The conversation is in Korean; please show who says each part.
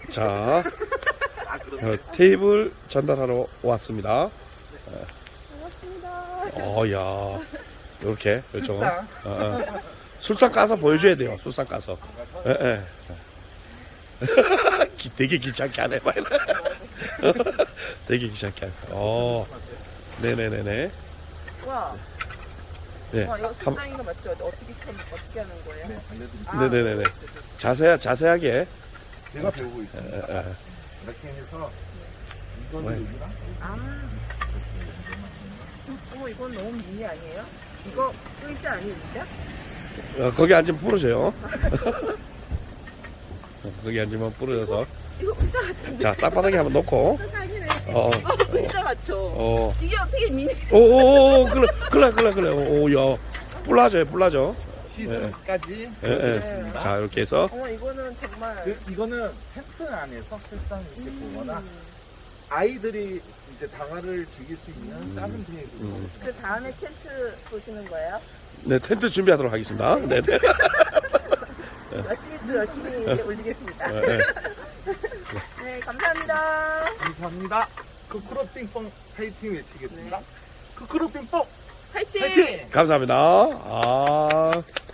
Speaker 1: 자, 테이블 전달하러 왔습니다.
Speaker 2: 반갑습니다.
Speaker 1: 야, 이렇게 그렇죠. 술상 까서 보여줘야 돼요. 술상 까서. 예. 되게 귀찮게 하네. 되게 귀찮게 하네. 네네네네.
Speaker 2: 와.
Speaker 1: 네.
Speaker 2: 와, 이거 술상인 거 맞죠? 어떻게 하는 거예요?
Speaker 3: 네, 알려드릴게요.
Speaker 1: 네네네네. 자세하게.
Speaker 3: 제가 배우고 있습니다. 이렇게 해서 이건
Speaker 1: 네.
Speaker 3: 여기랑
Speaker 2: 어머, 이건 너무 미니 아니에요? 이거 의자 아니에요, 의자?
Speaker 1: 거기 앉으면 부러져요. 거기 앉으면 부러져서.
Speaker 2: 이거 의자 같은데?
Speaker 1: 자, 땅바닥에 한번 놓고.
Speaker 2: 아니네. 의자 같죠? 이게 어떻게 미니?
Speaker 1: 그래. 야. 뿔나죠.
Speaker 3: 시즌까지.
Speaker 1: 예. 자, 이렇게 해서.
Speaker 2: 어머, 이거는 정말.
Speaker 3: 이거는 텐트 안에서 책상 이렇게 보거나 아이들이 이제 방화를 즐길 수 있는 작은 테이블.
Speaker 2: 그 다음에 텐트 보시는 거예요?
Speaker 1: 네, 텐트 준비하도록 하겠습니다. 네.
Speaker 2: 열심히 올리겠습니다. 네, 감사합니다.
Speaker 3: 감사합니다. 크크로빙뽕 파이팅 외치겠습니다. 크크로빙뽕
Speaker 2: 화이팅!
Speaker 3: 파이팅!
Speaker 1: 감사합니다.